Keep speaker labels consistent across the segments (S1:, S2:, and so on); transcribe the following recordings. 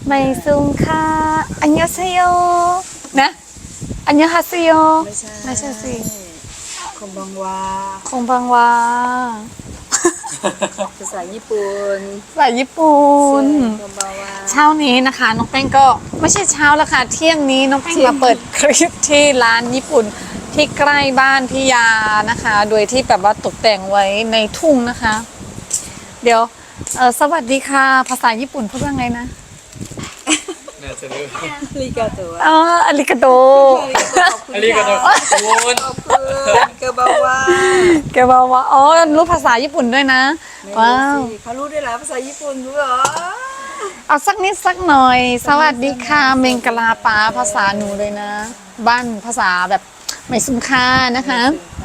S1: ไม่ซุงค่ะอันยองเซโยนะอันยองฮาเซโยไม่ใช่สิ
S2: คงบังวา
S1: คงบังวา
S2: ภาษาญี่ปุ่น
S1: ภาษาญี่ปุ่น
S2: คงบังวา
S1: เช้านี้นะคะน้องแป้งก็ไม่ใช่เช้าแล้วค่ะเที่ยงนี้น้องแป้งมาเปิดคลิปที่ร้านญี่ปุ่นที่ใกล้บ้านพี่ยานะคะโดยที่แบบว่าตกแต่งไว้ในทุ่งนะคะเดี๋ยวสวัสดีค่ะภาษาญี่ปุ่นพูดว่าไงนะ
S3: น่าจะรู้
S2: อาริกาโตะ
S1: อาริกาโต
S3: อันนี้ก็ต้องขอบคุณ
S2: ขอบคุณเกบาวา
S1: แกบอกว่าอ๋อรู้ภาษาญี่ปุ่นด้วยนะว้าว
S2: เขารู้ด้วยเหรอภาษาญี่ปุ่นรู้เหรอ
S1: เอาสักนิดสักหน่อยสวัสดีค่ะเมงกลาปาภาษาหนูเลยนะบ้านภาษาแบบไม่สุนค่านะคะ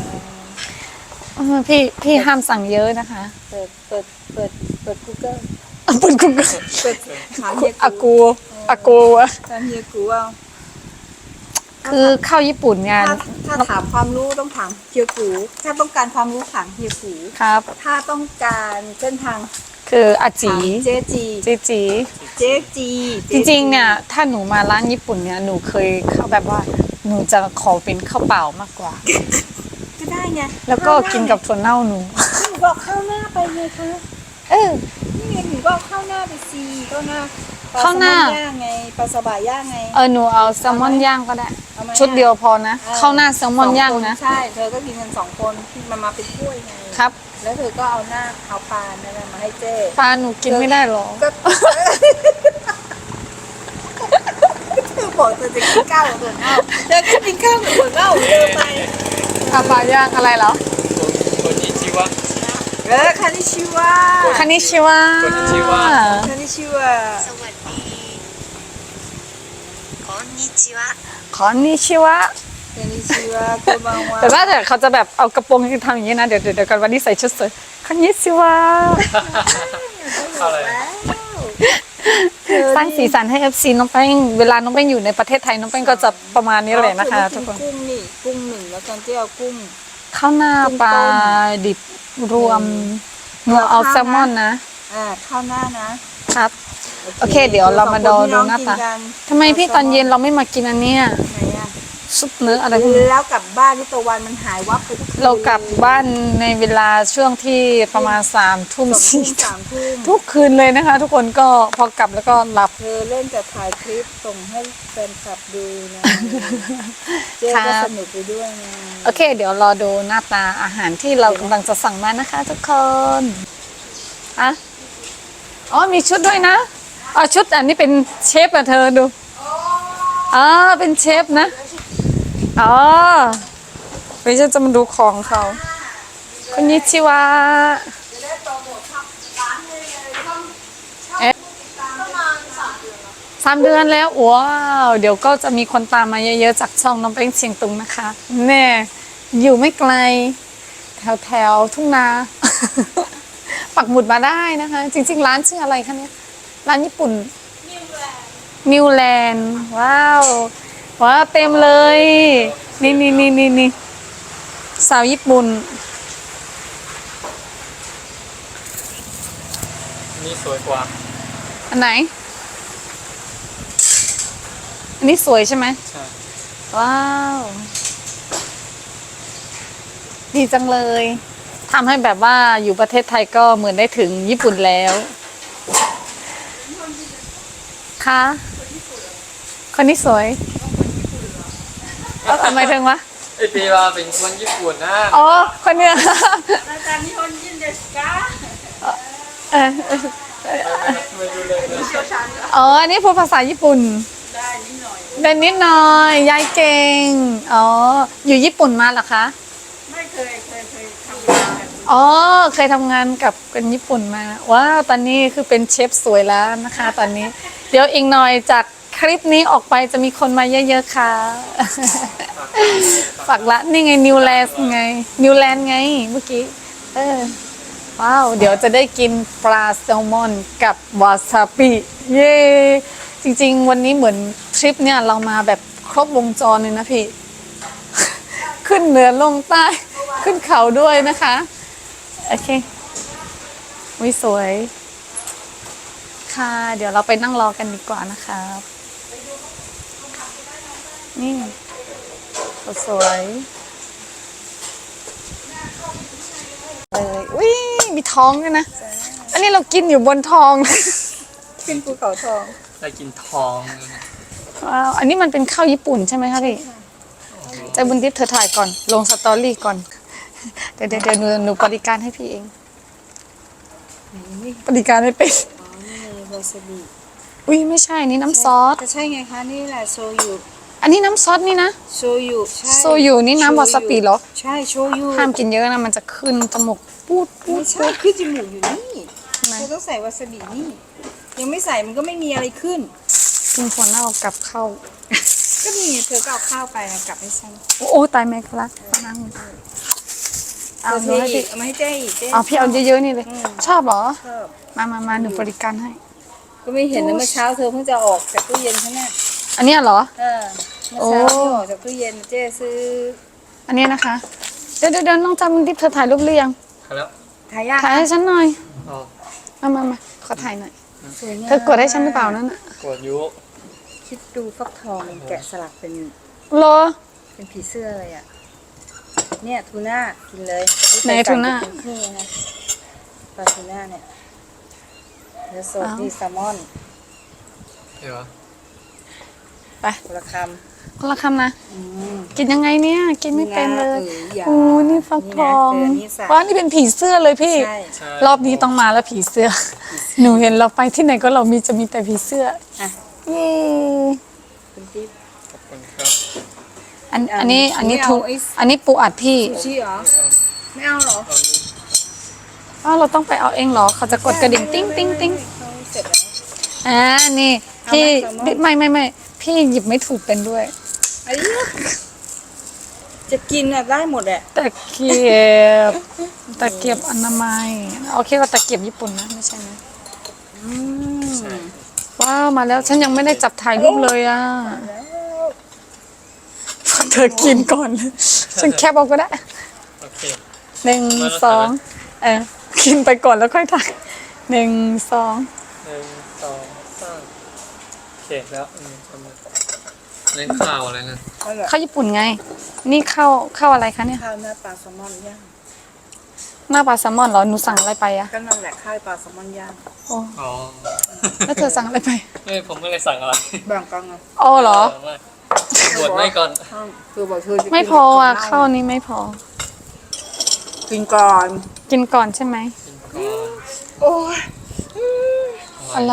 S1: พี่ห้ามสั่งเยอะนะคะ
S2: เปิด Google
S1: ปุ่นกุ๊ก
S2: เปิดถามเฮีย
S1: อากูอะ
S2: ถามเฮียกูเอา
S1: คือเข้าญี่ปุ่นงาน
S2: ถ้าถามความรู้ต้องถามเฮียกูถ้าต้องการความรู้ถามเฮียกู
S1: ครับ
S2: ถ้าต้องการเส้นทาง
S1: คืออาจี
S2: ถามเจ๊จี
S1: จีจี
S2: เจ๊จี
S1: จริงๆเนี่ยถ้าหนูมาร้านญี่ปุ่นเนี่ยหนูเคยเข้าแบบว่าหนูจะขอเป็นข้าวเปล่ามากกว่า
S2: ก็ได้ไง
S1: แล้วก็กินกับถั่วเน่าหนู
S2: หนูบอกข้าวหน้าไปไงคะ
S1: เออ
S2: นี่ไงหนูบอกข้าวหน้าไปซีข้าวหน้าปล
S1: ข้าวหน้า
S2: แซลมอนย่างไงปลาสบะย่างไง
S1: หนูเอาแซลมอนย่างก็ได้
S2: เอาไหม
S1: ชุดเดียวพอนะข้าวหน้าแซลมอนย่างนะ
S2: ใช่เธอก็กินกัน2 คนที่มันมาเป็นถ้วยไง
S1: ครับ
S2: แล้วเธอก็เอาปลานั่นน่ะมาให้เจ๊
S1: ปลาหนูกินไม่ได้หรอ
S2: ก็เธอบอกเธอจะกินข้าวกับถั่วเน่าเธอก็กินข้าวกับถั่วเน่าเดินไป
S1: ปลาย่างอะไรเหรอ
S3: คนนี้ชื่อว่า
S2: คานิชิวะ
S1: คานิชิวะ
S3: คานิชิวะ
S2: คานิชิวะ
S4: สวัสดีこんにちは
S1: คานิชิวะ
S2: คานิชิวะโกบังวะ
S1: แต่ว่าเดี๋ยวเขาจะแบบเอากระโปรงทำอย่างนี้นะเดี๋ยวกันวันนี้ใส่ชุดสวยคานิชิวะ
S3: อะไร
S1: สร้างสีสันให้ FC น้องแป้งเวลาน้องแป้งอยู่ในประเทศไทยน้องแป้งก็จะประมาณนี้เลยนะคะทุกคน
S2: กุ้งนี่กุ้งหนึ่งแล้วกันที่เอากุ้ง
S1: ข้าวหน้าปลาดิบรวมหนูเอาแซลมอนนะ
S2: ข้าวหน้านะครับ
S1: โอเคเดี๋ยวเรามาดูหน้าตา
S2: กิกั
S1: ทำไมพี่ตอนเย็นเราไม่มากินอันเนี้ย
S2: ไหนอะ
S1: ซุปเนื้ออะไรพวกนี้
S2: แล้วกลับบ้านที่ตะวันมันหายวับไปทุกคืน
S1: เรากลับบ้านในเวลาช่วงที่ประมาณ3 ทุ่ม
S2: 2 ทุ่ม
S1: 4 ทุ่ม
S2: 3 ทุ่ม
S1: ทุกคืนเลยนะคะ ทุกคนก็พอกลับแล้วก็หลับ
S2: เธอเล่นแต่ถ่ายคลิปส่งให้แฟนคลับดูนะเจ๊ก็สนุกไปด้วยไง
S1: โอเค เดี๋ยวรอดูหน้าตาอาหารที่เรากำลังจะสั่งมานะคะทุกคนอะอ๋อมีชุดด้วยนะอ๋อชุดอันนี้เป็นเชฟอะเธอดูอ๋อเป็นเชฟนะอ๋อไม่ใช่จะมาดูของเขาคนนิชิวะ3 เดือนแล้วว้าวเดี๋ยวก็จะมีคนตามมาเยอะๆจากช่องน้องเป้งเชียงตุงนะคะแน่อยู่ไม่ไกลแถวทุ่งนา ปักหมุดมาได้นะคะ จริงๆร้านชื่ออะไรคะเนี่ยร้านญี่ปุ่นนิวแลนด์ว้าวว้าวเต็มเลยนี่สาวญี่ปุ่น
S3: นี่สวยกว่า
S1: อันไหนอันนี้สวยใช่ไหม
S3: ใช่
S1: ว้าวดีจังเลยทำให้แบบว่าอยู่ประเทศไทยก็เหมือนได้ถึงญี่ปุ่นแล้วค่ะคนนี้สวยทำไมถึงวะ
S3: ไอปีว่าเป็นคนญี่ปุ่นนะ
S1: อ๋อคนเนี้ย
S2: อาจารย์นิฮอนยินเดสกา
S1: เออ
S3: ไม่รู้เลยนะ
S1: อ๋ออันนี้พูดภาษาญี่ปุ่น
S2: ได้นิดหน่อย
S1: ได้นิดหน่อยยายเก่งอ๋ออยู่ญี่ปุ่นมาเหรอคะ
S2: ไม่เคยทำงานแบบ
S1: อ๋อเคยทำงานกับคนญี่ปุ่นมาว้าวตอนนี้คือเป็นเชฟสวยแล้วนะคะ ตอนนี้ เดี๋ยวอีกหน่อยจากคลิปนี้ออกไปจะมีคนมาเยอะๆค่ะ ฝากละนี่ไงนิวแลนด์ไงนิวแลนด์ไงเมื่อกี้ว้าวเดี๋ยวจะได้กินปลาแซลมอนกับวาซาบิเย้จริงๆวันนี้เหมือนทริปเนี่ยเรามาแบบครบวงจรเลยนะพี่ ขึ้นเหนือลงใต้ขึ้นเขาด้วยนะคะโอเควิสวยค่ะ เดี๋ยวเราไปนั่งรอกันดีกว่านะคะนี่สวยเลยอุ้ยมีท้องด้วยนะ อันนี้เรากินอยู่บนทอง
S2: ขึ้นภูเขาทอง
S3: ได้กินทองเลยนะ
S1: ว้าวอันนี้มันเป็นข้าวญี่ปุ่นใช่ไหมคะพี่ใจบุญทิพย์เธอถ่ายก่อน ลงสตอรี่ก่อน เดี๋ยวหนูบริการให้พี่เอง
S2: นี่
S1: บริการไม่เป็น
S2: อ๋อนี่วาซาบิ
S1: อุ้ยไม่ใช่นี่น้ำซอส
S2: ก็ใช่ไงคะนี่แหละโชยุ
S1: อันนี้น้ำซอสนี่นะ
S2: โชยุใช่
S1: โชยุนี่น้ำวาซาบิเหรอ
S2: ใช่โชยุ
S1: ห้ามกินเยอะนะมันจะขึ้นจมูกปูด
S2: ไม่ใช่ขึ้นจมูกอยู่นี่
S1: ไหน
S2: เธอต้องใส่วาซาบินี่ ยังไม่ใส่มันก็ไม่มีอะไรขึ้น
S1: กินถั่วเน่ากับข้าว
S2: ก็มีเธอก็เอาข้าวไปกลับให้ฉัน
S1: โอ้ตายแม่ครับนั่ง
S2: เธ
S1: เอา
S2: อ
S1: หนูให้
S2: อี
S1: พี่
S2: กเอามาให้เจ๊อีกเจ๊
S1: เอาพี่เอาเยอะๆนี่เลย ชอบเหรอ
S2: ชอบ
S1: มาหนูบริการให้
S2: ก็ไม่เห็นนะเมื่อเช้าเธอเพิ่งจะออกจากตู้เย็นใช่ไหม
S1: อันเนี้ยเหรอ
S2: เมื่อเช้าที่ออกจากตู้เย็นเจ๊ซื้อ
S1: อันเนี้ยนะคะ เดี๋ยวน้องจำที่เธอถ่ายรูปหรือยัง
S3: ครับแล้ว
S2: ทายาท
S1: ถ่ายให้ฉันหน่อย
S3: อ๋อ
S1: มาขอถ่ายหน่อย
S2: สวยงาม
S1: เธอกดให้ฉันหรือเปล่านั่นน่ะ
S3: กดยุ
S2: คิดดูฟักทองแกะสลักเป็น
S1: เหรอ
S2: เป็นผีเสื้อเลยอ่ะ เนี่ยทูน่ากินเลย
S1: ไหนทูน่า
S2: นี่นะปลาทูน่าเนี่ยเนื้อสด
S1: อ้าว
S2: นี่แซลมอน
S3: เดี๋ยว
S1: ไป
S2: คนละค
S1: คนละคำนะ
S2: ำอืม
S1: กินยังไงเนี่ย กินไม่เป็นเลย
S2: อย่า
S1: โอ้นี่ฟักทอง
S2: นี่นะเธอนี่ใส่
S1: ว้านี่เป็นผีเสื้อเลยพี่
S2: ใช่
S3: ใช่
S1: รอบนี้ต้องมาแล้วผีเสื้อ หนูเห็นเราไปที่ไหนก็จะมีแต่ผีเสื้อ
S2: อ่ะ
S1: เย้
S2: คุณติ๊บ
S3: ขอบคุณครับ
S1: อันนี้
S2: ไม่เอา
S1: ทุ
S2: ไอ้
S1: อันนี้ปูอัดพี่
S2: ซูชิเหรอ ไม่เอาเหรอ
S1: อ้าวเราต้องไปเอาเองเหรอ เขาจะกดกระดิ่งติ้งติ้งติ้ง
S2: เขาเสร็จแล้ว
S1: นี่พี่
S2: เอาไหม
S1: ไม่พี่หยิบไม่ถูกเป็นด้วย
S2: ไอ้เหี้ยจะกินอ่ะได้หมดแหละ
S1: ตะเกียบ ตะเกียบอนามัยเอาคิดว่าตะเกียบญี่ปุ่นนะไม่ใช่นะ
S2: อืม
S1: ว้าวมาแล้วฉันยังไม่ได้จับถ่ายรูปเลยอ่ะเธอกินก่อนเลยฉันแคปเอาก็ได้
S3: โอเค
S1: หนึ่ง
S3: มาแล้ว
S1: สองกินไปก่อนแล้วค่อยถ่ายหนึ่งสอง
S3: 1 2 3โอเคแล้วทำเล่นข่าวอะไรนะ
S2: นั่นแหละ
S1: ข้าวญี่ปุ่นไง นี่ข้าวอะไรคะเนี่ย
S2: ข้าวหน้าปลาแซลมอนย่าง
S1: หน้าปลาแซลมอนเหรอหนูสั่งอะไรไปอะ
S2: ก็นั่นแหละข้าวปลาแซลมอนย่าง
S1: โอ้
S3: อ๋อ
S1: แล้วเธอสั่งอะไรไป
S3: ผมไม่ได้สั่งอะไร
S2: แบ่งกันไง
S1: อ๋อเหรอ
S3: บวชไม่ก่อน
S2: ข้าวคือบอกเธอจะกิน
S1: ไม่พออ่ะ
S2: กับ
S1: ข้าวนี้ไม่พอ
S2: กินก่อน
S1: กินก่อนใช่ไหม
S3: กินก่อน
S2: โอ้ย
S1: อะไร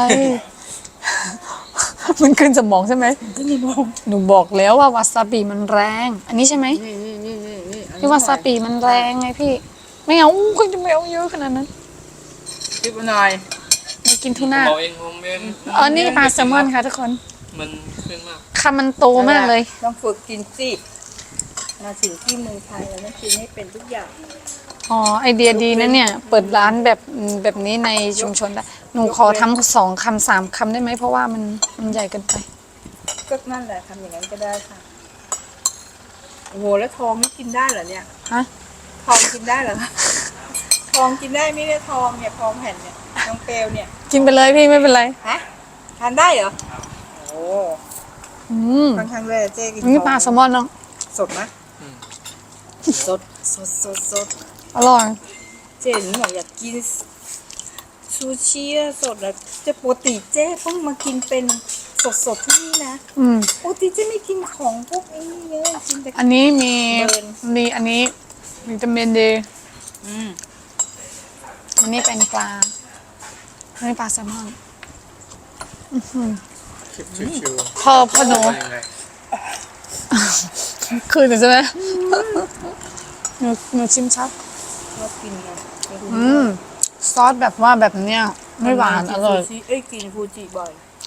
S1: มันขึ้นสมองใช่ไหม
S2: นี่มอง
S1: หนูบอกแล้วว่าวาซาบิมันแรง อันนี้ใช่ไหม
S2: นี่อันนี้
S1: ที่วาซาบิมันแรงไงพี่ ไม่เอาก็จะไม่เอาเยอะขนาดนั้น
S2: คิดมาหน่อย
S1: ไม่กินทู
S3: ผม
S1: น่า
S3: เอาเองผมเอง
S1: นี่ปลาแซลมอนค่ะทุกคน
S3: มันขึ้นมาก
S1: คำมันโตมากเลย
S2: ต้องฝึกกินสิมาถึงที่เมืองไทยเราต้องกินให้เป็นทุกอย่าง
S1: อ๋อไอเดียดีนะเนี่ย เปิดร้านแบบนี้ในชุมชนได้ หนูขอทำ2 คำ 3 คำได้ไหมเพราะว่ามันใหญ่เกินไป
S2: ก็นั่นแหละทำอย่างนั้นก็ได้ค่ะโอ้โหแล้วทองนี่กินได้เหรอเนี่ย
S1: ฮะ
S2: ทองกินได้เหรอทองกินได้ไม่ได้ทองเนี่ยทองแผ่นเนี่ยทองเปลวเนี่ย
S1: กินไปเลยพี่ไม่เป็นไร
S2: ฮะทานได้เหรอโอ้
S1: อืม
S2: ค่อนข้างเลยเจ๊กิน
S1: นี่ปลาแซลมอนเนาะ
S2: สดนะสด
S1: อร่อย
S2: เจ๊หนูบอกอยากกินซูชิอะสดอะจะปกติเจ๊เพิ่งมากินเป็นสดที่นี่นะ
S1: อืม
S2: ปกติเจ๊ไม่กินของพวกนี้เยอะกินแต่
S1: อันนี้มี
S2: เบิร์น
S1: อันนี้วิตามินดี
S2: อืม
S1: อันนี้เป็นปลาอันนี้ปลาแซลมอน
S3: คลิปชิว
S1: พอหนู
S3: ๆยังไง
S1: คืนหนูใช่ไหมหนูชิมชัก
S2: ชอบกินไง
S1: ซอสแบบว่าแบบเนี้ยไม่หวานอร่อย
S2: กินฟูจิบ่อย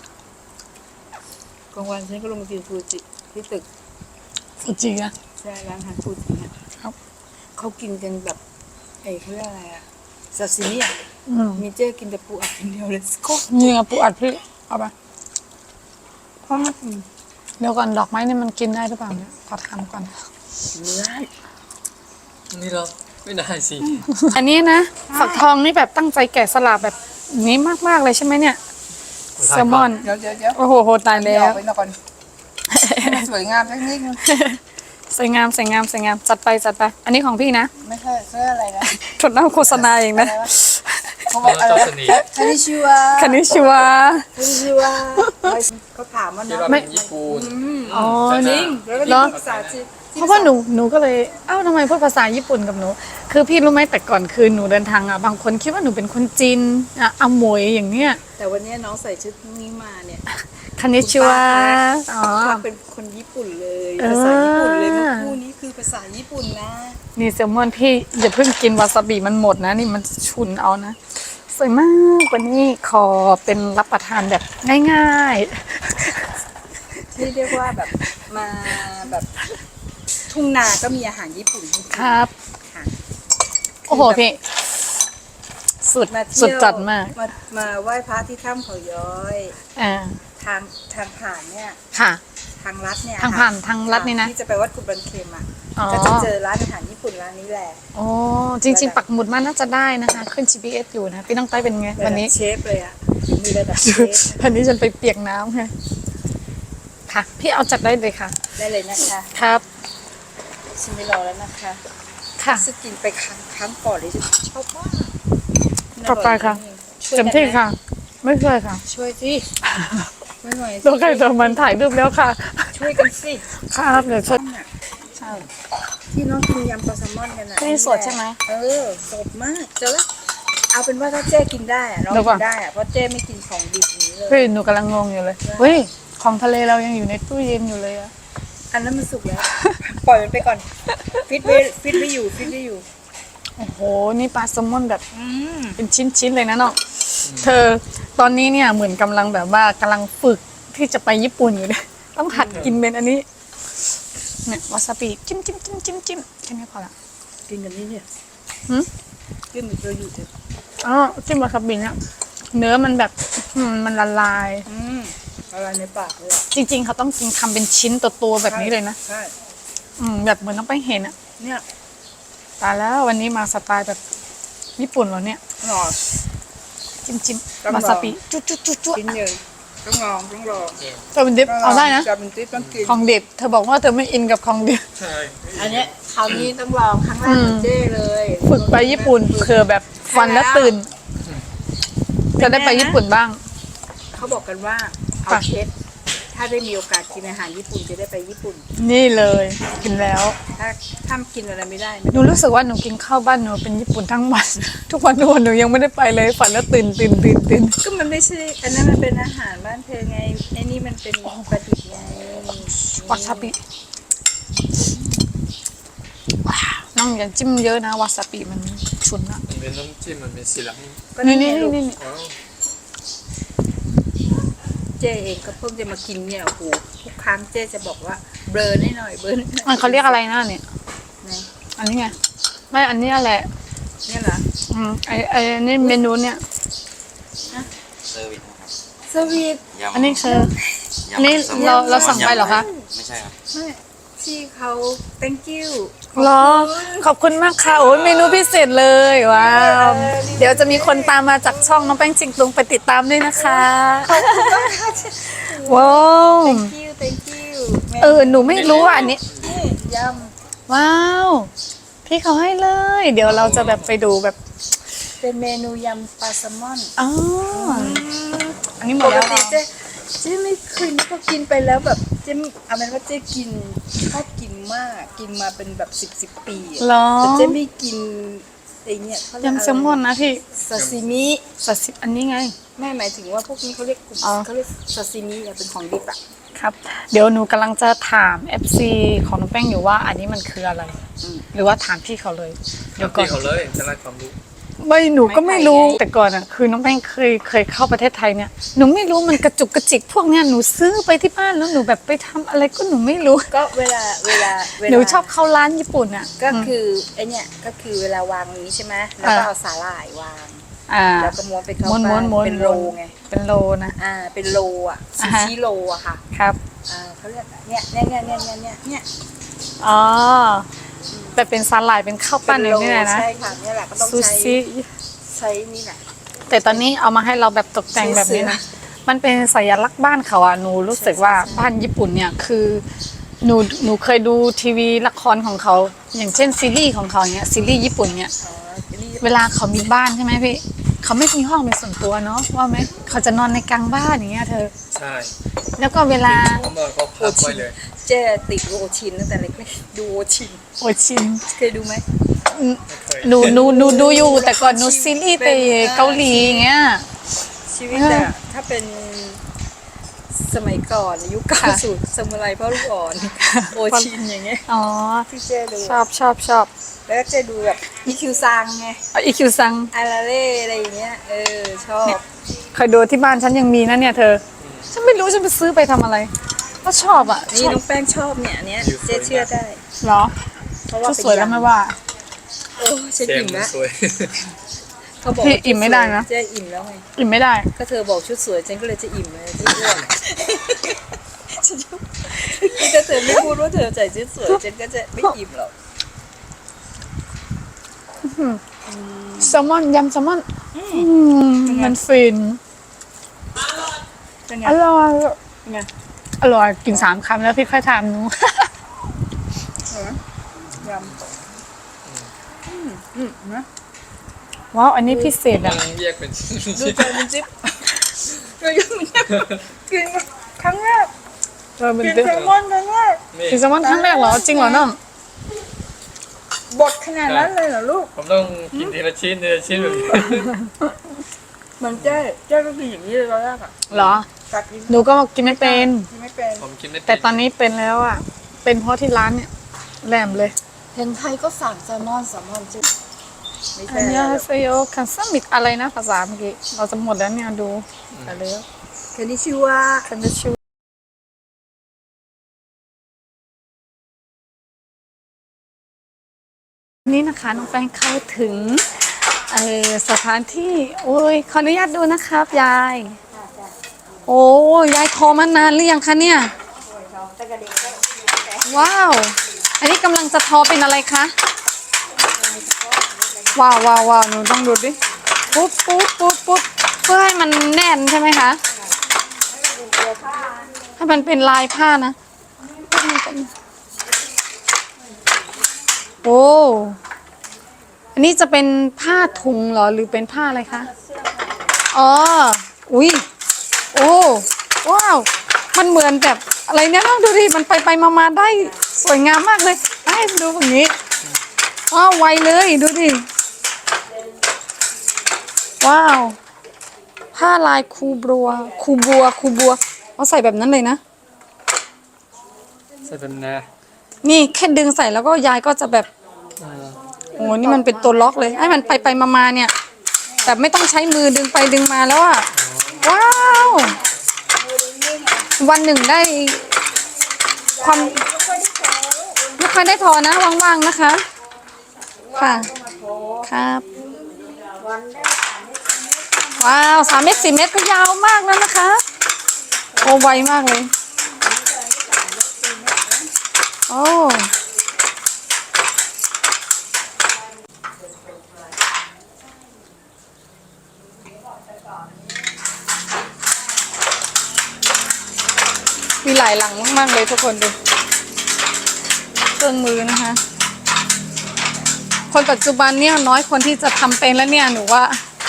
S2: กลางวันฉันก็ลงมากินฟูจิที่ตึก
S1: ฟูจิอะ
S2: ใช่ร้านอาหารฟูจิเนี่ย
S1: ครับ
S2: เขากินกันแบบเขาเรียกอะไรอะซาซิมิอะ
S1: อืม
S2: มีเจ๊กินแต่ปูอัดคนเดียวเลยโคตร
S1: นี่ไงปูอัดพี่เอาไป
S2: เพราะมัน
S1: เดี๋ยวก่อนดอกไม้เนี่ยมันกินได้หรือเปล่าเนี่ยขอถามก่อน
S2: เนื้อ
S3: นี่เราไม่ได้สิ
S1: อันนี้นะฝักทองนี่แบบตั้งใจแกะสลักแบบนี้มากๆเลยใช่ไหมเนี่ยแซลมอน
S2: เดี๋ยว
S1: โอ้โหโหตายแล้ว
S2: ไปก่อนให้มันสวยงามสักนิดนึง
S1: สวยงามจัดไปอันนี้ของพี่นะ
S2: ไม่ใช่เสื้ออะไรนะ
S1: ถดหน้าโฆษณาเองนะ
S2: เขาบอกอะไรนะคานิชิวะ
S1: คานิชิวะ
S2: คานิชิวะเขาถามว่า
S3: คิด
S2: นะ
S3: ว่าเป็นญี่ปุ่น
S1: อ๋อ
S2: จริ
S1: นี่
S2: งแล้วก็
S1: เหร
S2: นี่
S1: อ
S2: ภาษาจีน
S1: เพราะว่าหนูก็เลยเอ้าทำไมพูดภาษาญี่ปุ่นกับหนู คือพี่รู้ไหมแต่ก่อนคือหนูเดินทางอ่ะบางคนคิดว่าหนูเป็นคนจีนอ่ะอมวยอย่างเนี้ย
S2: แต่วันนี้น้องใส่ชุดนี้มาเนี่ย
S1: คานิชิวะอ๋อ
S2: เขาเป็นคนญี่ปุ่นเลยภาษาญี่ปุ่นเลยเมื่อคู่นี้คือภาษาญี่ปุ่นนะ
S1: นี่แซลมอนพี่อย่าเพิ่งกินวาซาบิมันหมดนะนี่มันฉุนเอานะสวยมากวันนี้ขอเป็นรับประทานแบบง่าย
S2: ที่เรียกว่าแบบมาแบบทุ่งนาก็มีอาหารญี่ปุ่นจริง
S1: ๆ
S2: ๆ
S1: ครับ
S2: ค่ะ
S1: โอ้โหพี่สุด
S2: มาเที่ยว
S1: สุดจัดมาก
S2: มาไหว้พระที่ถ้ำเขาย้อย
S1: อ่า
S2: ทางผ่านเนี่ย
S1: ค่ะ
S2: ทางลัดเนี่ย
S1: ทางผ่านทางลัดนี่นะ
S2: ที่จะไปวัดกุบันเค็มอ่ะ
S1: อ๋อ
S2: ก็จะเจอร้านอาหารญี่ปุ่นร้านนี้แหละ
S1: โอ้จริง ๆ ปักหมุดมันน่าจะได้นะคะ ขึ้น GPS อยู่นะ พี่น้องใต้เป็นไงวันนี้
S2: เชฟเลยอ่ะมีระดับเชฟ
S1: วันนี้ฉันไปเปียกน้ำค่ะค่ะ พี่เอาจัดได้เลยค่ะ
S2: ได้เลยนะคะ
S1: ครับ
S2: ชิมไม่รอแล้วนะคะ
S1: ค่ะ
S2: สกินไปครั้งก่อนเลยจะชอบมาก
S1: ต่อไปค่ะ
S2: ช่วย
S1: เต็ม
S2: กัน
S1: ที่
S2: นะ
S1: ค่ะ ไม่เคยค่ะ
S2: ช่วยสิไม่ไหวสิ
S1: ตัวใครตัวมันถ่ายรูปแล้วค่ะ
S2: ช่วยกันสิ
S1: ครับเดี๋ยวช่วย
S2: ใช่ที่น้องกินยำปลาแซลมอนกันนะ
S1: นี่สดใช่ไหม
S2: เออสดมากเจอแล้วเอาเป็นว่าถ้าเจ๊กินได้อะน้อง
S1: เดี๋ยวก่
S2: กิ
S1: อน
S2: นได้อะเพราะเจ๊ไม่กินของดิบอย่างนี้เลย
S1: พี่หนูกำลังงงอยู่เลยเฮ้ยของทะเลเรายังอยู่ในตู้เย็นอยู่เลยอะ
S2: อันนั้นมันสุกแล้ว ปล่อยมันไปก่อนฟิตไว้อยู่
S1: โอ้โหนี่ปลาแซลมอนแบบ
S2: อืม
S1: เป็นชิ้นๆเลยนะน้องเธอตอนนี้เนี่ยเหมือนกำลังแบบว่ากำลังฝึกที่จะไปญี่ปุ่นอยู่เนี่ยต้องหัดกินเป็นอันนี้เนี่ยวาซาบิจิ้มแค่นี้พอละ
S2: กินกันนี่เนี่ย
S1: หืม
S2: กินเหมือนเราอยู่เถอะ
S1: อ๋อจิ้มวาซาบิเนี่ยเนื้อมันแบบมันละลาย
S2: อะไรในปากเลยอะ
S1: จริง ๆ เขาต้องกินทำเป็นชิ้นตัวๆแบบนี้เลยนะ
S2: ใช่
S1: แบบเหมือนต้องไปเห็นอะ
S2: เนี่ย
S1: ตายแล้ววันนี้มาสไตล์แบบญี่ปุ่นเหรอเนี่ย
S2: หน่อ
S1: จิ้ม
S2: ต้องลอง
S1: วาซาบิจุ๊จุ๊
S2: กินเยอะต้องลอง
S1: จะเป็นดิบเอาได้นะ
S2: จะเป็นติ๊บต้องกิน
S1: ของดิบเธอบอกว่าเธอไม่อินกับของดิบ
S3: ใช่
S2: อันเนี้ยคราวนี้ต้องลองครั้งแรกของเจ้เลย
S1: ฝึกไปญี่ปุ่นเผื่อแบบฟันแล้วตื่น จะได้ไปญี่ปุ่นบ้าง
S2: เขาบอกกันว่าเอา
S1: ค่ะ
S2: เช็ดถ้าได้มีโอกาสกินอาหารญี่ปุ่นจะได้ไปญี่ปุ่น
S1: นี่เลยกินแล้ว
S2: ถ้ากินอะไรไม่ได้
S1: หนูรู้สึกว่าหนูกินข้าวบ้านหนูเป็นญี่ปุ่นทั้งวัน ทุกวันหนูยังไม่ได้ไปเลยฝันแล้วตื่น
S2: ก็มันไม่ใช่อันนั้นมันเป็นอาหารบ้านเธอไงไอ้นี่มันเป็นประดิษฐ์ไง
S1: วาซาบิว้าวน้องอย่าจิ้มเยอะนะวาซาบิมันฉุนอะ
S3: มันเป็นน้ำจิ้มมันเป็นสีเหลือง
S2: ก็
S1: นี่
S2: ไง
S1: นี่
S2: ลูก
S1: นี่
S3: อ๋อ
S2: เจ๊เองก็เพิ่งจะมากินเนี่ยโอ้โหทุกครั้งเจ๊จะบอกว่าเบลอนิดหน่อยเบลอนิดหน่อย
S1: มันเขาเรียกอะไรนะเนี่ย
S2: ไหน
S1: อันนี้ไงไม่อันนี้แหละ
S2: เนี่ยเหรอ
S1: ไอ้นี่เมนูเนี่ย
S5: เซอร์วิสนะครับ
S2: สวีท
S5: ยำ
S1: อันนี้คือ
S5: ยำ
S1: อันนี้
S5: แซลมอ
S1: เราสั่งไปเหรอคะ
S5: ไม่ใช่ครับ
S2: ไม่ที่เขา thank you
S1: เหรอขอบคุณมากค่ะโอ้ยเมนูพิเศษเลยว้าวเดี๋ยวจะมีคนตามมาจากช่องน้องแป้งจิงตุงไปติดตามด้วยนะคะว้าว
S2: thank you thank you
S1: หนูไม่รู้อ่ะอันนี้
S2: นี่ย
S1: ว้าวพี่เขาให้เลย เดี๋ยวเราจะแบบไปดูแบบ
S2: ำเป็นเมนูยำปลาแซลมอน
S1: อ๋ออันนี้หม
S2: ป
S1: ด
S2: ก
S1: แล้ว
S2: ติเจ๊ไม่เคยนึกว่ากินไปแล้วแบบเจ๊เอาเป็นว่าเจ๊กินชอบกินมากกินมาเป็นแบบสิบปีอะ
S1: เหรอ
S2: แต่เจ๊ไม่กินไอ้เนี่ยเขาเรีก
S1: ยำแซลมอนนะพี่
S2: ซาซิมิ
S1: สัตว์อันนี้ไง
S2: แม่หมายถึงว่าพวกนี้เขาเรียกกลุ่ม
S1: อ๋อ
S2: เขาเรียกซาซิมิอะเป็นของดิบอะ
S1: ครับ เดี๋ยวหนูกำลังจะถาม FC ของน้องแป้งอยู่ว่าอันนี้มันคืออะไร หรือว่าถามพี่เขาเลย เดี๋ยวก่อ
S3: พี่
S1: น
S3: เขาเลยจะไล่ความรู้
S1: ไม่หนูก็ไม่รู้แต่ก่อนอ่ะคือน้องแป้งเคยเข้าประเทศไทยเนี่ยหนูไม่รู้มันกระจุกกระจิกพวกเนี้ยหนูซื้อไปที่บ้านแล้วหนูแบบไปทำอะไรก็หนูไม่รู้
S2: ก็เวลา
S1: หนูชอบเข้าร้านญี่ปุ่นอ่ะ
S2: ก็คือไอเนี่ยก็คือเวลาวางนี้ใช่ไหมแล้วก็เอาสาหร่ายวาง
S1: อ่า
S2: แล้วก็ม้วนไปเข้า
S1: ม้วน
S2: ไป
S1: ม้วน
S2: เป็นโลไง
S1: เป็นโลนะ
S2: เป็นโลอ่ะซู
S1: อ่าฮะ
S2: ชิโลอะค่ะ
S1: ครับ
S2: เขาเรียกเนี่ย
S1: อ๋อแบบเป็นสาหร่ายเป็นข้าวปั้นอย่างนี้เลยนะ
S2: ใช่ค่ะเนี่ยแหละก็ต้อง
S1: ซู
S2: ใช้
S1: ชิ
S2: ใช้นี่แหละ
S1: แต่ตอนนี้เอามาให้เราแบบตกแต่งแบบนี้นะมันเป็นสัญลักษณ์บ้านเขาอะหนูรู้สึกว่าบ้านญี่ปุ่นเนี่ยคือหนูเคยดูทีวีละครของเขา อย่างเช่นซีรีส์ของเขาเนี่ยซีรีส์ญี่ปุ่นเนี่ย
S2: อ๋อทีนี้
S1: เวลาเขามีบ้านใช่ไหมพี่เขาไม่มีห้องเป็นส่วนตัวเนาะว่าไหมเขาจะนอนในกลางบ้านอย่างเงี้ยเธอ
S3: ใช่
S1: แล้วก็เวลา
S3: เขามาเขาพักไว้เลย
S2: เจ๊ติดโอชินตั้งแต่เล็กๆดูโอชิน
S1: โอชิน
S2: เคยดูไหม
S3: ไม่เคย
S1: หนูดูอยู่แต่ก่อนหนูซีรีส์ไปเกาหลีอย่างเงี้ย
S2: ชีวิตอะถ้าเป็นสมัยก่อนยุค90สมุไรพ่อลูกอ่อนโอชินอย่างเงี้ย
S1: อ๋อ
S2: ที่เจ๊ดู
S1: ชอบ
S2: แล้วก็เจ๊ดูแบบอีคิวซังไง
S1: อีคิวซัง
S2: อาราเล่อะไรอย่างเงี้ยชอบ
S1: เคยดูที่บ้านฉันยังมีนะเนี่ยเธอ ฉันไม่รู้ฉันไปซื้อไปทำอะไร ก็ชอบอ่ะ
S2: นี่น้องแป้งชอบเนี่ยอันเนี้ยเจ๊เชื่อได้
S1: เหรอ
S2: เพราะว่า
S1: ชุดสวยแล้วไม่ว่า
S2: โอ้ฉัน
S3: เสียง
S2: อิ่ม
S3: มัน
S2: แล้ว
S3: สวย
S2: เขาบอก
S1: พี่
S2: ว่า
S1: อิ่มไม่ได้นะ
S2: เจ๊อิ่มแล้วไง
S1: อิ่มไม่ได้
S2: ก็เธอบอกชุดสวยฉันก็เลยจะอิ่มเลยที่อ้วนฉันจะนี่ถ้าเธอไม่พูดว่าเธอใส่ชุดสวยฉันก็จะไม่อิ่มหรอก
S1: แซลมอนยำแซลมอนมันฟิน
S2: เป็นไง
S1: อร่อย
S2: เป็นไง
S1: อร่อยกิน3 คำแล้วพี่ค่อยทำหนู
S2: ยำนะ
S1: ว้าวอันนี้พิเศษ
S3: มั
S1: อ่ะ
S3: นแยกเป็นชิ้น
S2: ดูใจมันจิ๊บดูยังมันกินครั้งแรก
S1: มัน
S2: กิน
S1: เป็น
S2: แซลมอนครั้งแรก
S3: นี่
S1: กินแซลมอนครั้งแรกเหรอจริงเหรอน้อง
S2: บดขนาดนั้นเลยเหรอลูก
S3: ผมต้องกินทีละชิ้นแบบนี้
S2: มันเจ๊ก็กินอย่างนี้เลยตอนแรกอ่ะ
S1: เหรอ
S2: กัดกิน
S1: หนูก็กินไม่เป็น
S2: ไม่เป็น
S3: ผมกินไม่เป็
S1: แต่ตอนนี้เป็นแล้วอ่ะ เป็นเพราะที่ร้านเนี่ยแหลมเลย
S2: เห็นไทยก็สั่งแซลมอนจิ๊บไม่
S1: อั
S2: ใช่
S1: นนี้
S2: แล้ว
S1: เซโยคันซัมิกอะไรนะภาษาเมื่อกี้เราจะหมดแล้วเนี่ยดูไปเลย
S2: คันนี้ชื่อว่า
S1: คันจะชูนี่นะคะน้องแป้งเข้าถึงสถานที่โอ้ยขออนุญาตดูนะครับยาย โอ้ยายคอมานานหรือยังคะเนี่ย ว้าว อันนี้กำลังจะทอเป็นอะไรคะ ว้าวหนูต้องดูดิ ปุ๊บเพื่อให้มันแน่นใช่ไหมคะ ให้มันเป็นลายผ้านะ โอ้ อันนี้จะเป็นผ้าถุงเหรอหรือเป็นผ้าอะไรคะ อ๋อ อุ้ย โอ้ ว้าว มันเหมือนแบบอะไรเนี่ยลองดูดิ มันไปมาได้สวยงามมากเลยให้ดูแบบนี้ ว้าวไวเลยดูดิ ว้าว ผ้าลายคูบัวเอาใส่แบบนั้นเลยนะ
S3: ใส่เป็นนะ
S1: นี่แค่ดึงใส่แล้วก็ยายก็จะแบบ โอ้นี่มันเป็นตัวล็อกเลย ให้มันไปมาเนี่ยแบบไม่ต้องใช้มือดึงไปดึงมาแล้วอ่ะ ว้าว วันหนึ่งได้ความไม่ค่อยได้ทอนะว่างๆนะคะ ค่ะ ครับ ว้าว3 เมตร 4 เมตรก็ยาวมากแล้วนะคะ โอ้ไวมากเลย โอ้มีหลายหลังมากๆเลยทุกคนดูเครื่องมือนะคะ คนปัจจุบันเนี่ยน้อยคนที่จะทำเป็นแล้วเนี่ยหนูว่า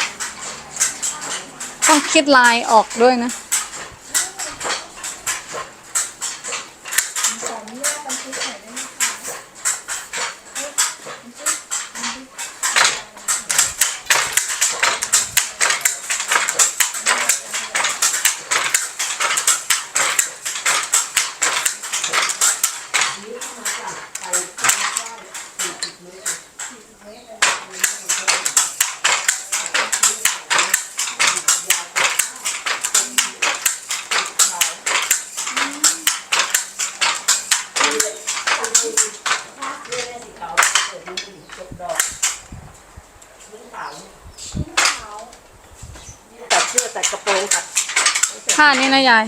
S1: ต้องคิดลายออกด้วยนะ
S2: ตัดเสื้อตัดกระโปรงตัด
S1: ผ้านี่นะยาย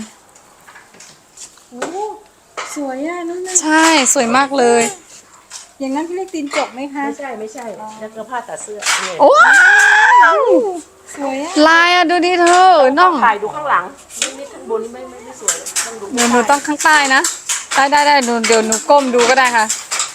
S2: สวยอ่ะนั่นนะ
S1: ใช่สวยมากเลย
S2: อย่างนั้นพี่เรียกตีนจกไหมคะ
S6: ไม่ใช่ แล้วก็ผ้าตัดเสื้อเนี่ย
S1: ว้าว
S2: สวยอะ
S1: ลายอะดูดิเธอน้อง
S2: ถ่ายดูข้างหลังนี่ข้างบนนี่ไม่สวยต้องดู
S1: หนูต้องข้างใต้นะได้หนูเดี๋ยวหนูก้มดูก็ได้ค่ะ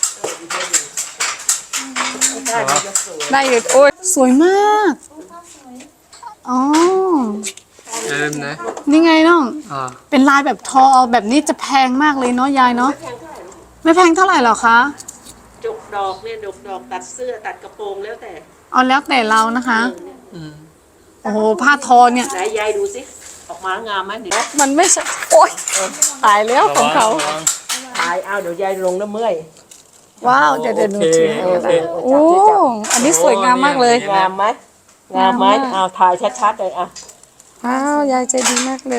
S2: ใช่มันจะสวย
S1: ได้อยู่โอ้ยสวยมากอ๋อ
S3: เริ่มนะ
S1: นี่ไงน้อง
S3: อ่า
S1: เป็นลายแบบทอแบบนี้จะแพงมากเลยเนาะยายเนาะไม่แพงเท่าไหร่หรอคะ
S2: จกดอกเนี่ยดอกตัดเสื้อตัดกระโปรงแล้วแต่
S1: เอาแล้วแต่เรานะคะ
S3: อืม
S1: โอ้โหผ้าทอเนี่ย
S2: ไหนยายดูสิออกมางามไหมเดี๋ยว
S1: มันไม่ใช่โอ๊ยตายแล้วของเขา
S3: ระวัง
S2: ถ่ายเอาเดี๋ยวยายลงแล้วเมื่อย
S1: ว้าวเดี๋ยวหนูถือ
S3: โอเค
S1: โอ้อันนี้สวยงามมากเลย
S2: งามไหมงามไหม
S1: งามมาก
S2: เอาถ่ายชัดๆเลยอ่ะ
S1: ว้าวยายใจดีมากเลย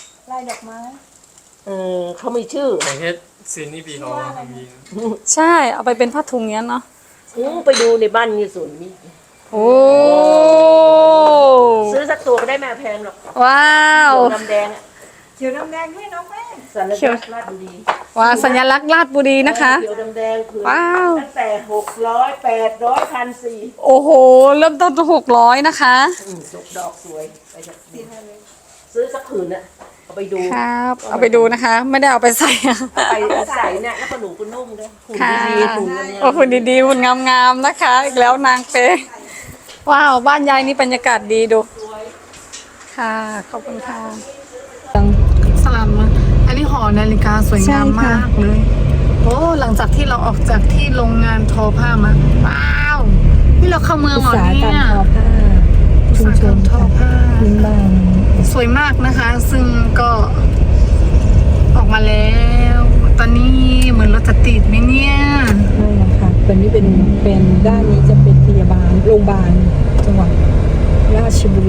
S2: เขามีชื่อ
S3: อย่างเช่นซีนี่ปีเขามี
S1: ใช่เอาไปเป็นผ้าถุงเนี้ยเนาะ
S2: ไปดูในบ้านมีสวนมี
S1: โอ้
S2: ซื้อสักตัวก็ได้แม่แพงหรอก
S1: ว้าว
S2: เขียวดำแดงอ่ะเขียวดำแดงด้วยน้องแม่สัญลักษณ์ราชบุรี
S1: ว้าวสัญลักษณ์ราชบุรีนะคะ
S2: เขียวดำแดงคือ
S1: ว้าว
S2: ตั้งแต่600 800 1,400
S1: โอ้โหเริ่มต้น600นะคะ
S2: ดอกสวยไปจากซื้อสักผืนน่ะเอาไปดู
S1: ครับ เอาไปดูนะคะ ไม่ได้เอาไปใส่อะ
S2: ไปใส่เนี่ยแล้วก็หนูก็นุ่มด้วยหุ่น
S1: ค่ะ
S2: ดีๆหุ่นกันเนี่ย
S1: โอ้หุ่นดีๆหุ่นงามๆนะคะ อีกแล้วนางเป๊ะว้าวบ้านยายนี่บรรยากาศดีดูค่ะขอบคุณค่ะสลัมอันนี้หอนาฬิกาสวยงามมากเลยโอ้หลังจากที่เราออกจากที่โรงงานทอผ้ามาว้าวนี่เราเข้าเมืองเหรอเนี่ยชุมชนทอผ้าสวยมากนะคะ ซึ่งก็ออกมาแล้ว ตอนนี้เหมือนรถจะติดไหมเนี่ย
S6: ไม่นะคะตอนนี้เป็นด้านนี้จะเป็นพยาบาลโรงพยาบาลจังหวัดราชบุรี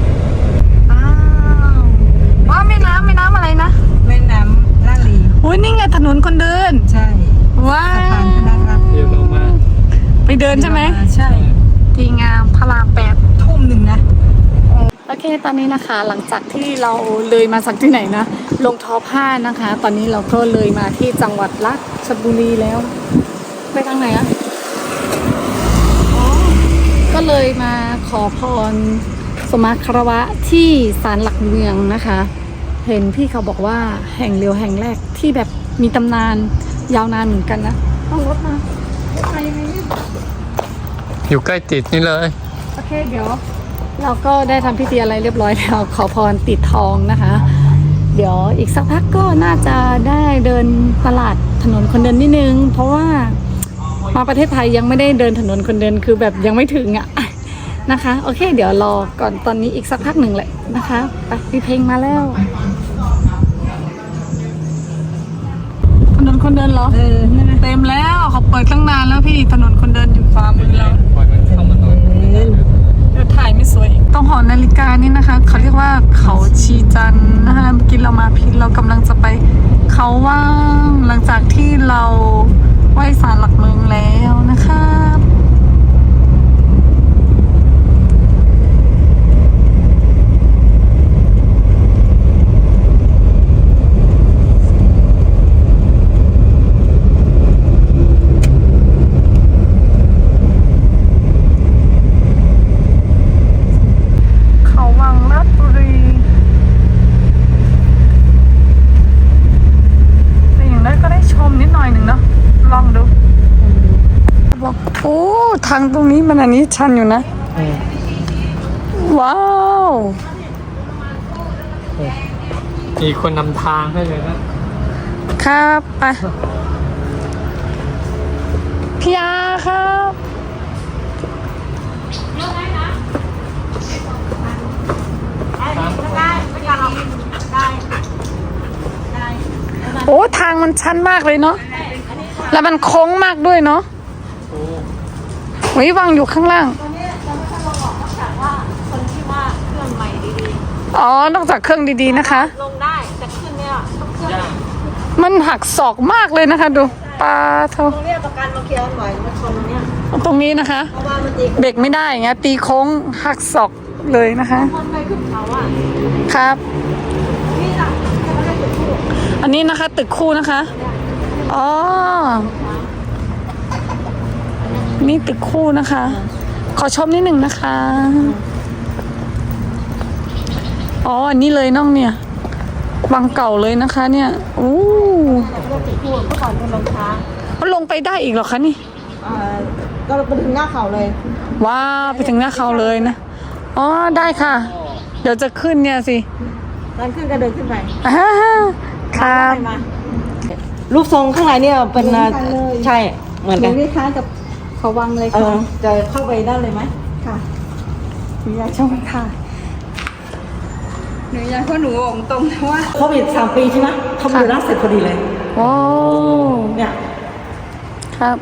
S1: ว้าวแม่น้ำอะไรนะ
S6: แม่น้ำลาดลี
S1: โอ้ยนี่ไงถนนคนเดิน
S6: ใช่
S1: ว้า
S6: สะพาน
S1: ว
S6: พระราม
S3: เดี๋ยวลงมา
S1: ไปเดินใช่ไหม
S6: ใช่
S1: ดีงามพระราม8
S6: ทุ่มหนึ่งนะ
S1: โอเคตอนนี้นะคะ หลังจากที่เราเลยมาจากที่ไหนนะลงทอผ้านะคะ ตอนนี้เราก็เลยมาที่จังหวัดราชบุรีแล้ว ไปทางไหนอะอ๋อก็เลยมาขอพรสมมาคารวะที่ศาลหลักเมืองนะคะ เห็นพี่เขาบอกว่าแห่งเดียวแห่งแรกที่แบบมีตำนานยาวนานเหมือนกันนะต้องรถมาไปยังไงเนี่ย
S3: อยู่ใกล้ติดนี่เลย
S1: โอเคเดี๋ยวเราก็ได้ทำพิธีอะไรเรียบร้อยแล้วขอพรติดทองนะคะ เดี๋ยวอีกสักพักก็น่าจะได้เดินตลาดถนนคนเดินนิดนึง เพราะว่ามาประเทศไทยยังไม่ได้เดินถนนคนเดินคือแบบยังไม่ถึงอ่ะนะคะ โอเค เดี๋ยวรอก่อนตอนนี้อีกสักพักหนึ่งแหละนะคะไปมีเพลงมาแล้วถนนคนเดินเหรอเต็มแล้วเขาเปิดตั้งนานแล้วพี่ถนนคนเดินอยู่ฟ้ามือเรา
S3: ปล่อยมันเข้ามาหน่อย
S1: เดี๋ยวถ่ายไม่สวยอีกต้องหอนาฬิกานี่นะคะ เขาเรียกว่าเขาชีจันทร์นะคะเมื่อกี้เรามาพิษเรากำลังจะไปเขาว่างหลังจากที่เราไหว้ศาลหลักเมืองแล้วนะคะเขาวังราชบุรีแต่อย่างนั้นก็ได้ชมนิดหน่อยหนึ่งเนาะลองดูบอกโอ้ทางตรงนี้มันอันนี้ชันอยู่นะว้าว
S3: มีคนนำทางให้เลยนะครับ
S1: ไปพี่ยาครับโอ้ทางมันชันมากเลยเนาะแล้วมันโค้งมากด้วยเนาะโอ้ยวางอยู่ข้างล่างอ๋อนอกจากเครื่องดีๆนะคะ
S2: ลงได้แต่ขึ้นเนี่ยต้อง
S1: มันหักศอกมากเลยนะคะดูปลาเท่า
S2: ตรงเนี้ยประกันมาเคลียร์หน่อยมาชนตรงเนี้ย
S1: ตรงนี้นะคะ
S2: เพราะว่ามันตี
S1: เบรกไม่ได้อย่างเงี้ยตีโค้งหักศอกเลยนะคะ
S2: คนไปขึ้นเขาอ่ะ
S1: ครับ
S2: นี่จ้ะจะไม่ได้จุดทูบ
S1: อันนี้นะคะตึกคู่นะคะอ๋อนี่ตึกคู่นะคะ ขอชมนิดหนึ่งนะคะอ๋ออันนี้เลยน้องเนี่ยวังเก่าเลยนะคะเนี่ยโอ้
S6: ก็ติดคู่เมื่อก่อนเป็นรองเท้า
S1: มันลงไปได้อีกเหรอคะนี่
S6: ก็ไปถึงหน้าเขาเลย
S1: ว้าวไปถึงหน้าเขาเลยนะอ๋อได้ค่ะ เดี๋ยวจะขึ้นเนี่ยสิ
S6: ตอนขึ้นก็เดินขึ้นไป
S1: อ่าครับ
S6: รูปทรงข้างในเนี่ยเป็นใช่เหมือนกัน
S1: คล้ายกับเขาวังเลย
S6: เอ
S1: ค่ะ
S6: อจะเข้าไปได้เลยไหม
S1: ค่ะหนูอยากชมค่ะหนูอยากเพราะหนูบอกตรงนะว่า
S6: โควิด3 ปีใช่ไหมทำอยู่ล่าเสร็จพอดีเลย
S1: โอ้
S6: เนี่ย
S1: ครับ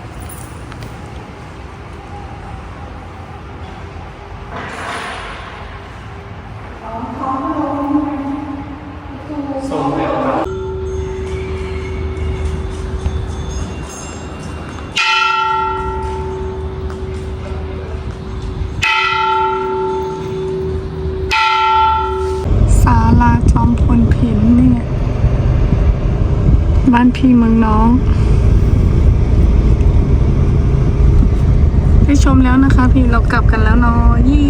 S1: ศาลาจอมพลผินเนี่ยบ้านพี่เมืองน้องได้ชมแล้วนะคะพี่เรากลับกันแล้วเนาะยี่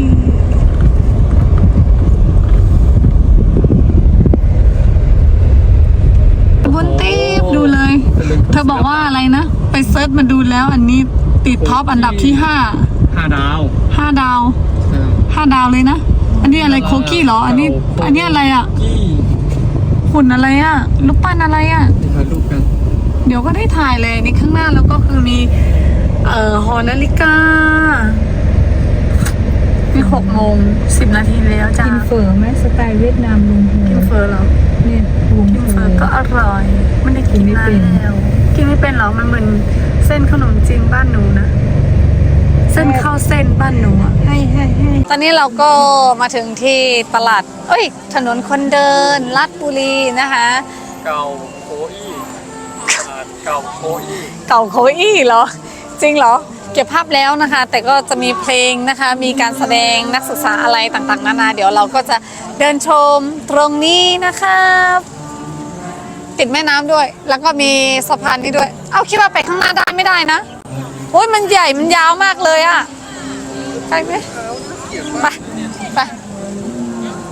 S1: บนตีบดูเลย เธอบอกว่าอะไรนะ ไปเซิร์ชมาดูแล้วอันนี้ติดท็อปอันดับที่
S3: 5 ดาว
S1: 5 ดาว 5 ดาวเลยนะ อันนี้อะไรโคกี้เหรอ อันนี้อะไรอ่ะ
S3: กี้
S1: หุ่นอะไรอ่ะรูปปั้นอะไรอ่ะ
S3: ถ่ายรูปกัน
S1: เดี๋ยวก็ได้ถ่ายเลยนี่ข้างหน้าแล้วก็คือมีหอนาฬิกานี่6:10 แล้วจ้า
S6: กินเฝอไหมสไตล์เวียดนามลุงโฮ
S1: กินเฟอร์เหรอ
S6: เนี่ยลุง
S1: กิน
S6: โฮ
S1: เฟอร์ก็อร่อยไม่ได้กินนานแล้วกินไม่เป็นเหรอมันเหมือนเส้นขนมจีนบ้านหนูนะเส้นข้าวเส้นบ้านหนูอะ
S6: ให้
S1: ตอนนี้เราก็มาถึงที่ตลาดถนนคนเดินลาดบุรีนะคะ
S3: เก่าโคอี้เก่าโคอี้
S1: เก่าโคอี้เหรอ จริงเหรอ เก็บภาพแล้วนะคะ แต่ก็จะมีเพลงนะคะ มีการแสดงนักศึกษาอะไรต่างๆนานาเดี๋ยวเราก็จะเดินชมตรงนี้นะคะติดแม่น้ำด้วย แล้วก็มีสะพานนี้ด้วย เอาคิดว่าไปข้างหน้าได้ไม่ได้นะโอ้ยมันใหญ่มันยาวมากเลยอะไปไหมไป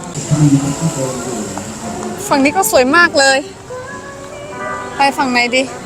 S1: ฝั่งนี้ก็สวยมากเลย ไปฝั่งไหนดี